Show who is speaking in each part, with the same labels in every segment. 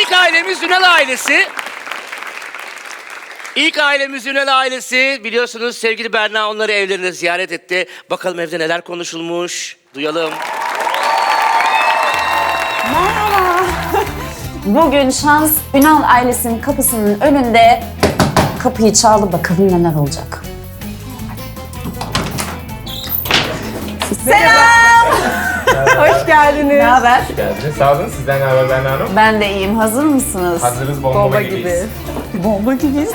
Speaker 1: İlk ailemiz Ünal ailesi. İlk ailemiz Ünal ailesi. Biliyorsunuz sevgili Berna onları evlerine ziyaret etti. Bakalım evde neler konuşulmuş. Duyalım.
Speaker 2: Merhaba. Bugün şans Ünal ailesinin kapısının önünde kapıyı çaldı. Bakalım neler olacak. Selam.
Speaker 3: Hoş geldiniz.
Speaker 2: Ne haber?
Speaker 4: Geldiniz. Sağ olun. Sizden ne haber Berna Hanım?
Speaker 2: Ben de iyiyim. Hazır mısınız?
Speaker 4: Hazırız,
Speaker 3: Bomba
Speaker 4: gibiyiz.
Speaker 3: gibi.
Speaker 2: Bomba gibiyiz.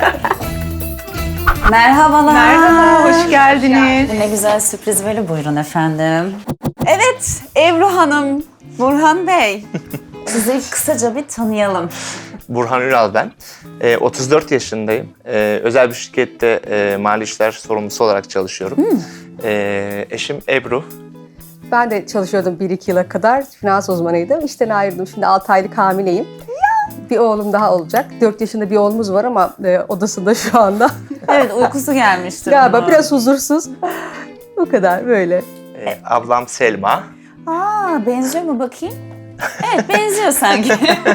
Speaker 2: Merhabalar.
Speaker 3: Merhaba, hoş geldiniz.
Speaker 2: Ne güzel sürpriz böyle, buyurun efendim. Evet, Ebru Hanım, Burhan Bey. Sizi kısaca bir tanıyalım.
Speaker 4: Burhan Ünal ben. 34 yaşındayım. Özel bir şirkette mali işler sorumlusu olarak çalışıyorum. Eşim Ebru.
Speaker 3: Ben de çalışıyordum 1-2 yıla kadar. Finans uzmanıydım. İşten ayrıldım. Şimdi 6 aylık hamileyim. Bir oğlum daha olacak. 4 yaşında bir oğlumuz var ama odasında şu anda.
Speaker 2: Evet, uykusu gelmiştir.
Speaker 3: Galiba
Speaker 2: bunun.
Speaker 3: biraz huzursuz. Bu kadar böyle.
Speaker 4: Ablam Selma.
Speaker 2: Aa, benziyor mu bakayım? Evet, benziyor sanki.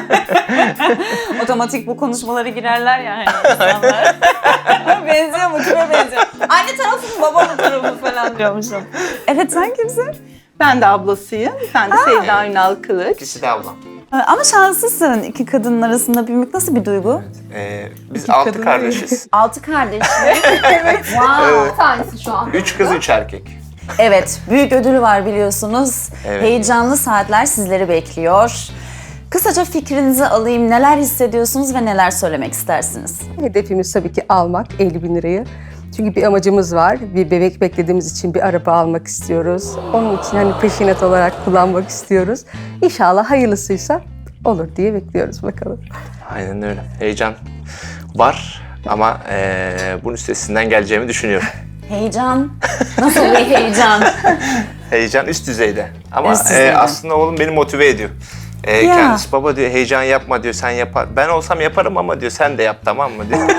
Speaker 2: Otomatik bu konuşmalara girerler ya hani insanlar. Benziyor mu? Kime benziyor? Anne tarafı mı, baba mı tarafı falan diyormuşum. Evet, sen kimsin?
Speaker 5: Ben de ablasıyım. Ben de Sevda Ünal Kılıç.
Speaker 4: İkisi de ablam.
Speaker 2: Ama şanslısın. İki kadının arasında büyümek nasıl bir duygu?
Speaker 4: Biz 6 kardeşiz.
Speaker 2: 6 kardeş. Evet. Wow.
Speaker 3: Tanesi şu an.
Speaker 4: 3 kız 3 erkek.
Speaker 2: Evet, büyük ödülü var biliyorsunuz.
Speaker 4: Evet.
Speaker 2: Heyecanlı saatler sizleri bekliyor. Kısaca fikrinizi alayım. Neler hissediyorsunuz ve neler söylemek istersiniz?
Speaker 3: Hedefimiz tabii ki almak 50 bin lirayı. Çünkü bir amacımız var. Bir bebek beklediğimiz için bir araba almak istiyoruz. Onun için hani peşinat olarak kullanmak istiyoruz. İnşallah hayırlısıysa olur diye bekliyoruz bakalım.
Speaker 4: Aynen öyle. Heyecan var ama bunun üstesinden geleceğimi düşünüyorum.
Speaker 2: Heyecan. Nasıl bir heyecan?
Speaker 4: Heyecan üst düzeyde. Ama
Speaker 2: Üst düzeyde.
Speaker 4: aslında oğlum beni motive ediyor.
Speaker 2: Ya.
Speaker 4: Kendisi baba diyor heyecan yapma diyor sen yapar. Ben olsam yaparım ama diyor sen de yap tamam mı diyor.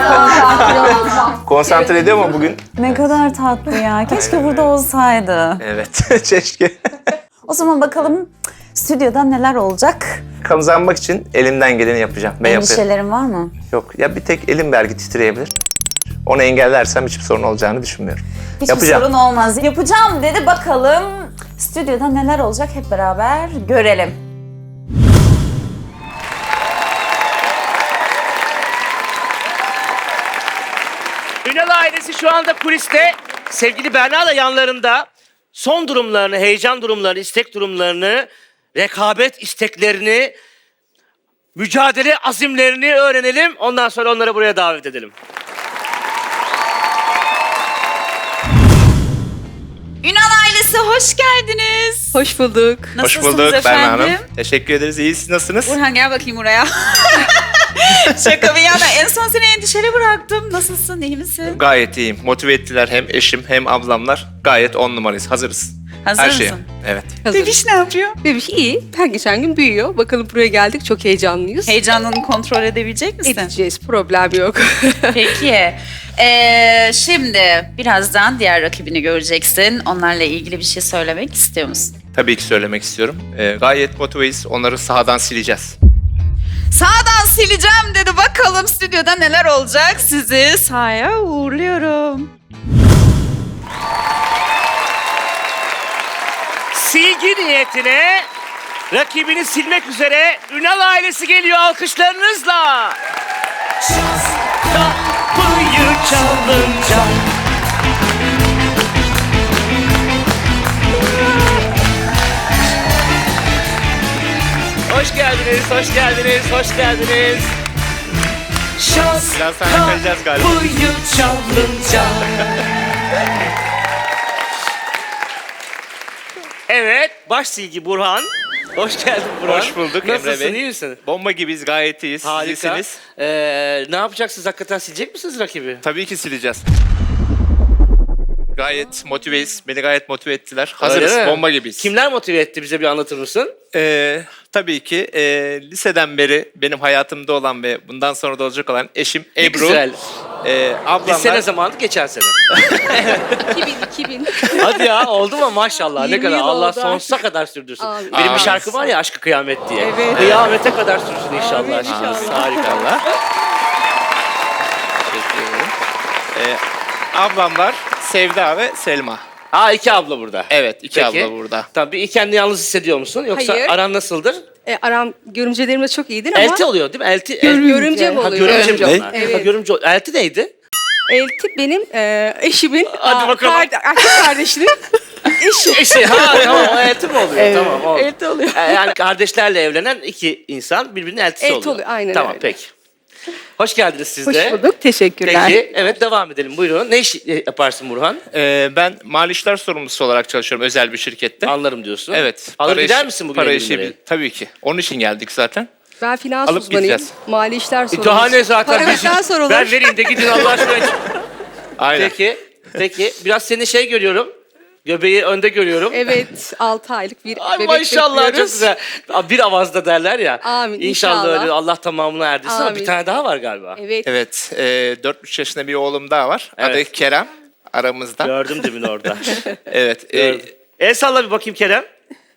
Speaker 4: Konsantre ediyor mu bugün?
Speaker 2: Ne kadar tatlı ya. Keşke burada olsaydı.
Speaker 4: Evet keşke.
Speaker 2: O zaman bakalım stüdyoda neler olacak?
Speaker 4: Kazanmak için elimden geleni yapacağım. Ben yapıyorum.
Speaker 2: Endişelerin var mı?
Speaker 4: Yok ya bir tek elim belki titreyebilir. Onu engellersem hiçbir sorun olacağını düşünmüyorum.
Speaker 2: Hiçbir
Speaker 4: Yapacağım.
Speaker 2: sorun olmaz. Yapacağım dedi, bakalım stüdyoda neler olacak hep beraber görelim.
Speaker 1: Ünal ailesi şu anda kuliste. Sevgili Berna da yanlarında. Son durumlarını, heyecan durumlarını, istek durumlarını, rekabet isteklerini, mücadele azimlerini öğrenelim. Ondan sonra onları buraya davet edelim.
Speaker 2: Ünal ailesi hoş geldiniz.
Speaker 5: Hoş bulduk.
Speaker 4: Hoş
Speaker 2: Nasılsınız
Speaker 4: bulduk Berna
Speaker 2: efendim?
Speaker 4: Hanım. Teşekkür ederiz. İyi siz nasılsınız?
Speaker 2: Burhan gel bakayım buraya. Şaka bir yana, en son seni endişeli bıraktım. Nasılsın, iyi misin?
Speaker 4: Gayet iyiyim. Motive ettiler hem eşim hem ablamlar. Gayet 10 numarayız. Hazırız.
Speaker 2: Hazır
Speaker 4: Her
Speaker 2: mısın?
Speaker 4: şeye. Evet.
Speaker 5: Bebiş ne yapıyor? Bebiş iyi. Her geçen gün büyüyor. Bakalım buraya geldik. Çok heyecanlıyız.
Speaker 2: Heyecanını kontrol edebilecek misin?
Speaker 5: Edeceğiz. Problem yok.
Speaker 2: Peki. Şimdi birazdan diğer rakibini göreceksin. Onlarla ilgili bir şey söylemek istiyor musun?
Speaker 4: Tabii ki söylemek istiyorum. Gayet motiveyiz. Onları sahadan sileceğiz.
Speaker 2: Sağdan sileceğim dedi. Bakalım stüdyoda neler olacak. Sizi sahaya uğurluyorum.
Speaker 1: Silgi niyetine rakibini silmek üzere Ünal ailesi geliyor alkışlarınızla. Kapıyı çalınca Hoş geldiniz, hoş geldiniz, hoş geldiniz. Şans
Speaker 4: Biraz sonra kalacağız galiba.
Speaker 1: kapıyı çalınca. Evet, baş silgi Burhan. Hoş geldin Burhan.
Speaker 4: Hoş bulduk Emre
Speaker 1: Nasılsın,
Speaker 4: Bey.
Speaker 1: iyi misin?
Speaker 4: Bomba gibiyiz. Gayet iyiyiz.
Speaker 1: Harika.
Speaker 4: Siz iyisiniz.
Speaker 1: Ne yapacaksınız? Hakikaten silecek misiniz rakibi?
Speaker 4: Tabii ki sileceğiz. Gayet motiveyiz. Beni gayet motive ettiler.
Speaker 1: Öyle
Speaker 4: Hazırız.
Speaker 1: mi?
Speaker 4: Bomba gibiyiz.
Speaker 1: Kimler motive etti, bize bir anlatır mısın?
Speaker 4: Tabii ki liseden beri benim hayatımda olan ve bundan sonra da olacak olan eşim
Speaker 1: Ne
Speaker 4: Ebru.
Speaker 1: güzel.
Speaker 4: Ablamlar.
Speaker 1: Lise ne zamandı? Geçen sene.
Speaker 5: 2000.
Speaker 1: Hadi ya, oldu mu maşallah, ne
Speaker 5: 20
Speaker 1: kadar,
Speaker 5: yıl
Speaker 1: Allah
Speaker 5: oldu
Speaker 1: sonsuza kadar sürdürsün.
Speaker 5: Amin.
Speaker 1: Benim bir
Speaker 4: Amin.
Speaker 1: şarkı var ya, Aşkı Kıyamet diye.
Speaker 5: Evet.
Speaker 1: Kıyamete kadar sürsün inşallah.
Speaker 5: Amin, inşallah.
Speaker 1: Harika.
Speaker 4: Teşekkür ederim. Ablamlar Sevda ve Selma.
Speaker 1: Ha, iki abla burada.
Speaker 4: Evet, iki
Speaker 1: Peki.
Speaker 4: abla burada.
Speaker 1: Tabii kendini yalnız hissediyor musun? Yoksa
Speaker 5: Hayır.
Speaker 1: aran nasıldır?
Speaker 5: Aram görümcelerimle çok iyidir ama
Speaker 1: Elti oluyor değil mi? Elti.
Speaker 5: görümce mi
Speaker 1: Ha,
Speaker 5: oluyor?
Speaker 1: görümce mi
Speaker 4: Görümce.
Speaker 1: onlar?
Speaker 5: Evet.
Speaker 1: Ha, görümce. Elti neydi?
Speaker 5: Elti benim eşimin
Speaker 1: Hadi bakalım.
Speaker 5: erkek kardeşinin eşi.
Speaker 1: Eşi. Ha tamam, o elti mi oluyor?
Speaker 5: Evet,
Speaker 1: Tamam oldu.
Speaker 5: elti oluyor.
Speaker 1: Yani kardeşlerle evlenen iki insan birbirinin eltisi
Speaker 5: Elti
Speaker 1: oluyor.
Speaker 5: oluyor, aynen
Speaker 1: Tamam
Speaker 5: öyle.
Speaker 1: peki. Hoş geldiniz siz
Speaker 5: Hoş
Speaker 1: de.
Speaker 5: bulduk. Teşekkürler.
Speaker 1: Peki, evet devam edelim. Buyurun. Ne iş yaparsın Burhan?
Speaker 4: Ben mali işler sorumlusu olarak çalışıyorum özel bir şirkette.
Speaker 1: Anlarım diyorsun.
Speaker 4: Evet.
Speaker 1: Alır
Speaker 4: para
Speaker 1: gider
Speaker 4: işi-
Speaker 1: misin bugün
Speaker 4: Para
Speaker 1: 50
Speaker 4: işi
Speaker 1: lirayı?
Speaker 4: tabii ki. Onun için geldik zaten.
Speaker 5: Ben finans
Speaker 4: Alıp
Speaker 5: uzmanıyım.
Speaker 4: gideceğiz.
Speaker 5: Mali işler sorumlusu.
Speaker 1: Daha ne zaten?
Speaker 5: Parametreden sorulur.
Speaker 1: Ben vereyim de gidin Allah aşkına.
Speaker 4: Aynen.
Speaker 1: Peki. Biraz seni görüyorum. Göbeği önde görüyorum.
Speaker 5: Evet, 6 aylık bir
Speaker 1: Ay
Speaker 5: bebek
Speaker 1: maşallah, çok
Speaker 5: bekliyoruz.
Speaker 1: güzel. Bir avazda derler ya.
Speaker 5: Amin,
Speaker 1: İnşallah
Speaker 5: inşallah.
Speaker 1: öyle, Allah tamamını erdirsin ama bir
Speaker 5: Amin.
Speaker 1: tane daha var galiba.
Speaker 5: Evet.
Speaker 4: Evet. 4,5 yaşında bir oğlum daha var.
Speaker 1: Evet.
Speaker 4: Adı Kerem. Aramızda.
Speaker 1: Gördüm demin orada.
Speaker 4: Evet.
Speaker 1: Gördüm. El salla bir bakayım Kerem.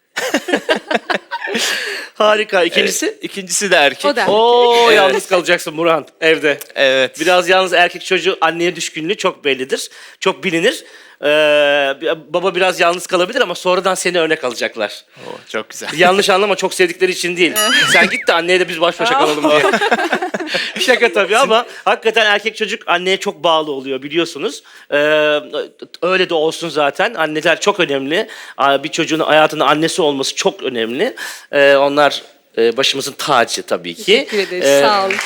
Speaker 1: Harika. İkincisi?
Speaker 4: İkincisi de erkek.
Speaker 5: O da.
Speaker 1: Oo,
Speaker 4: Evet.
Speaker 1: yalnız kalacaksın Burhan evde.
Speaker 4: Evet.
Speaker 1: Biraz yalnız erkek çocuğu anneye düşkünlüğü çok bellidir. Çok bilinir. Baba biraz yalnız kalabilir ama sonradan seni örnek alacaklar.
Speaker 4: Oo, çok güzel.
Speaker 1: Yanlış anlama, çok sevdikleri için değil. Sen git de anneye de biz baş başa kalalım diye. Şaka tabii ama hakikaten erkek çocuk anneye çok bağlı oluyor biliyorsunuz. Öyle de olsun zaten. Anneler çok önemli. Bir çocuğun hayatında annesi olması çok önemli. Onlar başımızın tacı tabii ki.
Speaker 5: Teşekkür ederiz. Sağ olun.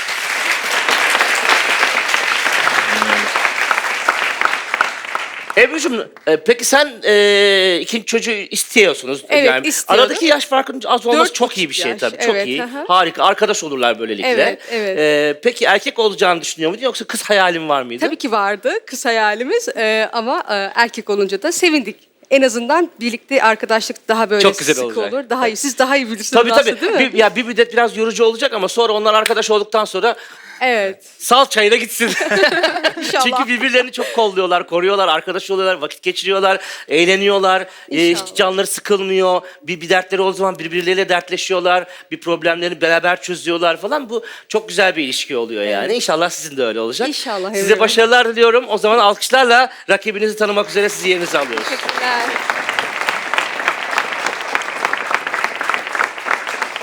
Speaker 1: Ebru'cum, peki sen ikinci çocuğu istiyorsunuz.
Speaker 5: Evet, istiyorum.
Speaker 1: Aradaki yaş farkının az olması
Speaker 5: 4,5
Speaker 1: çok iyi bir şey
Speaker 5: yaş,
Speaker 1: tabii. Çok
Speaker 5: evet,
Speaker 1: iyi.
Speaker 5: aha.
Speaker 1: Harika. Arkadaş olurlar böylelikle.
Speaker 5: Evet, evet.
Speaker 1: Peki erkek olacağını düşünüyor muydun yoksa kız hayalin var mıydı?
Speaker 5: Tabii ki vardı kız hayalimiz ama erkek olunca da sevindik. En azından birlikte arkadaşlık daha böyle
Speaker 1: Çok güzel
Speaker 5: sık
Speaker 1: olacak.
Speaker 5: olur. Daha iyi. Siz daha iyi bilirsiniz
Speaker 1: Tabii
Speaker 5: aslında,
Speaker 1: tabii.
Speaker 5: değil mi?
Speaker 1: Bir müddet biraz yorucu olacak ama sonra onlar arkadaş olduktan sonra
Speaker 5: Evet.
Speaker 1: sal çayına gitsin.
Speaker 5: İnşallah.
Speaker 1: Çünkü birbirlerini çok kolluyorlar, koruyorlar, arkadaş oluyorlar, vakit geçiriyorlar, eğleniyorlar.
Speaker 5: İnşallah.
Speaker 1: Hiç canları sıkılmıyor. Bir dertleri olduğu zaman birbirleriyle dertleşiyorlar. Bir problemlerini beraber çözüyorlar falan. Bu çok güzel bir ilişki oluyor yani. İnşallah sizin de öyle olacak.
Speaker 5: İnşallah,
Speaker 1: Size
Speaker 5: evet.
Speaker 1: başarılar diliyorum. O zaman alkışlarla rakibinizi tanımak üzere sizi yerinize alıyoruz.
Speaker 5: Teşekkürler.